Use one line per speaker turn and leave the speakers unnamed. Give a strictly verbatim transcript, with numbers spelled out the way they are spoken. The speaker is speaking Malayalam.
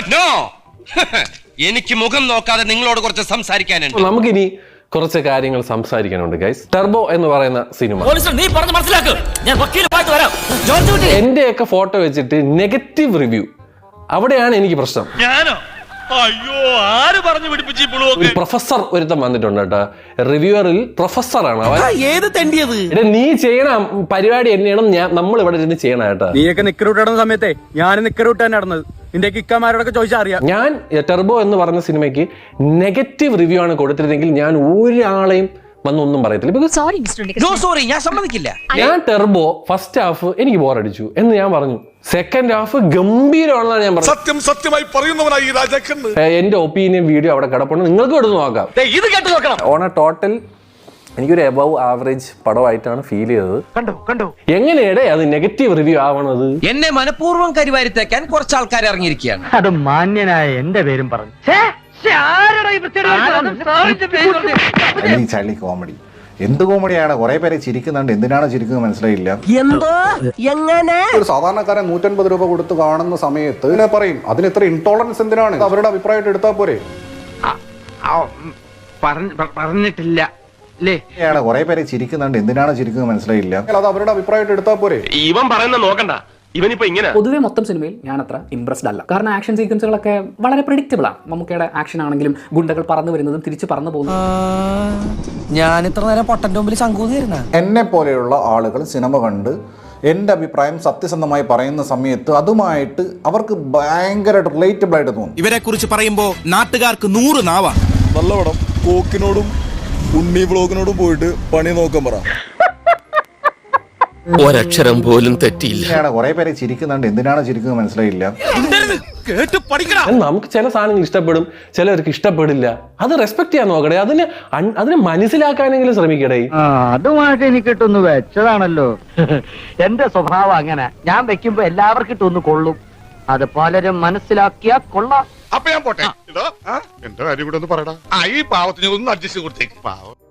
നോ, എനിക്ക് മുഖം നോക്കാതെ നിങ്ങളോട് കുറച്ച് സംസാരിക്കാനുണ്ട്.
നമുക്കിനി കുറച്ച് കാര്യങ്ങൾ സംസാരിക്കാനുണ്ട് ഗൈസ്. ടർബോ എന്ന് പറയുന്ന സിനിമ എന്റെയൊക്കെ ഫോട്ടോ വെച്ചിട്ട് നെഗറ്റീവ് റിവ്യൂ, അവിടെയാണ് എനിക്ക് പ്രശ്നം.
അയ്യോ, ആര് പറഞ്ഞു പിടിപ്പിച്ചു?
ഒരു പ്രൊഫസർ ഒരുത്തം വന്നിട്ടുണ്ട് കേട്ടോ, റിവ്യൂവറിൽ പ്രൊഫസറാണ് അവൻ.
ഏത് തെണ്ടിയത്?
നീ ചെയ്യണ പരിപാടി എന്നെയാണ് ഞാൻ നമ്മൾ ഇവിടെ ഇരുന്ന് ചെയ്യണ കേട്ടോ.
നീയൊക്കെ നിക്കറൂട്ട് നടന്ന സമയത്തെ ഞാൻ നിക്കറൂട്ട് തന്നെ നടന്നത്. നിന്റെ ഇക്കമാരോടൊക്കെ ചോദിച്ചാൽ അറിയാം.
ഞാൻ ടർബോ എന്ന് പറഞ്ഞ സിനിമയ്ക്ക് നെഗറ്റീവ് റിവ്യൂ ആണ് കൊടുത്തിരുന്നെങ്കിൽ ഞാൻ ഒരാളെയും വന്നൊന്നും പറയത്തില്ല.
സോറി, ഞാൻ സമ്മതിക്കില്ല.
ഞാൻ ടർബോ ഫസ്റ്റ് ഹാഫ് എനിക്ക് ബോറടിച്ചു എന്ന് ഞാൻ പറഞ്ഞു, സെക്കൻഡ് ഹാഫ് ഗംഭീരമാണെന്നാണ് ഞാൻ പറഞ്ഞത്.
സത്യം സത്യമായി പറയുന്നവനായി രാജാക്കൻ.
എന്റെ ഒപ്പീനിയൻ വീഡിയോ അവിടെ കിടപ്പുണ്ട്, നിങ്ങൾക്ക് എടുത്ത് നോക്കാം.
ഇത് കേട്ട് നോക്കണം.
ഓൺ എ ടോട്ടൽ എനിക്കൊരു എബവ് ആവറേജ് പടമായിട്ടാണ് ഫീൽ ചെയ്തത്.
കണ്ടോ കണ്ടോ
എങ്ങനെയാണ് അത് നെഗറ്റീവ് റിവ്യൂ ആവണത്?
എന്നെ മനഃപൂർവ്വം കരിവാരിത്തേക്കാൻ കുറച്ച് ആൾക്കാർ ഇറങ്ങിയിരിക്കുകയാണ്.
അത് മാന്യനായ എന്റെ പേരും പറഞ്ഞു.
ചളി കോമഡി, എന്ത് കോമഡിയാണ്? കുറെ പേരെ ചിരിക്കുന്നുണ്ട്, എന്തിനാണ് ചിരിക്കുന്നത് മനസ്സിലായില്ല.
എന്തോ എങ്ങനെ
ഒരു സാധാരണക്കാരൻ നൂറ്റൻപത് രൂപ കൊടുത്ത് കാണുന്ന സമയത്ത് ഇതിനെ പറയും അതിന് ഇത്ര ഇൻടോളറൻസ് എന്തിനാണ്? അവരുടെ അഭിപ്രായമായിട്ട് എടുത്താൽ പോരെ.
പറഞ്ഞിട്ടില്ല
കുറെ പേരെ ചിരിക്കുന്നുണ്ട്, എന്തിനാണ് ചിരിക്കുന്നത് മനസ്സിലായില്ല. അത് അവരുടെ അഭിപ്രായമായിട്ട് എടുത്താൽ പോരെ.
ഇവൻ പറയുന്ന നോക്കണ്ട, ഇവനിപ്പോ ഇങ്ങനെ.
പൊതുവെ മൊത്തം സിനിമയിൽ ഞാൻ അത്ര ഇംപ്രസ്ഡ് അല്ല. കാരണം ആക്ഷൻ സീക്വൻസുകളൊക്കെ വളരെ പ്രെഡിക്റ്റബിൾ ആണ്. മമ്മൂക്കയുടെ ആക്ഷൻ ആണെങ്കിലും ഗുണ്ടകൾ പറന്നു വരുന്നതും തിരിച്ച് പറന്നു പോകുന്നതും.
ഞാൻ ഇത്ര നേരം പൊട്ടന്റെ മുമ്പിൽ ശങ്കൂന്നിരുന്ന
എന്നെ പോലെയുള്ള ആളുകൾ സിനിമ കണ്ട് എൻ്റെ അഭിപ്രായം സത്യസന്ധമായി പറയുന്ന സമയത്ത് അതുമായിട്ട് അവർക്ക് ഭയങ്കരമായിട്ട് റിലേറ്റബിൾ ആയിട്ട് തോന്നും.
ഇവരെ കുറിച്ച് പറയുമ്പോൾ നാട്ടുകാർക്ക് നൂറ് നാവാണ്.
നല്ല പടം. കോക്കിനോടും ഉണ്ണി ബ്ലോഗിനോടും പോയിട്ട് പണി നോക്കാൻ പറ.
ഒരക്ഷരം പോലും തെറ്റിയില്ല.
കുറെ പേരെ ചിരിക്കുന്നുണ്ട്, എന്തിനാണ് ചിരിക്കുന്നത് മനസ്സിലായില്ല.
നമുക്ക് ചില സാധനങ്ങൾ ഇഷ്ടപ്പെടും, ചിലർക്ക് ഇഷ്ടപ്പെടില്ല. അത് റെസ്പെക്ട് ചെയ്യാൻ നോക്കണേ, അതിന് അതിനെ മനസ്സിലാക്കാനെങ്കിലും ശ്രമിക്കടേ.
അതുമായിട്ട് എനിക്ക് ഇട്ടൊന്ന് വെച്ചതാണല്ലോ. എന്റെ സ്വഭാവം അങ്ങനെ, ഞാൻ വെക്കുമ്പോ എല്ലാവർക്കും ഇട്ടൊന്ന് കൊള്ളും. അത് പലരും മനസ്സിലാക്കിയാ കൊള്ളാം.
അപ്പൊ ഞാൻ പോട്ടെ. എന്റെ കാര്യം കൂടെ ഒന്ന് പറയടാ. ഈ പാവത്തിന് ഒന്ന് അഡ്ജസ്റ്റ് കൊടുത്തേക്ക്. പാവം.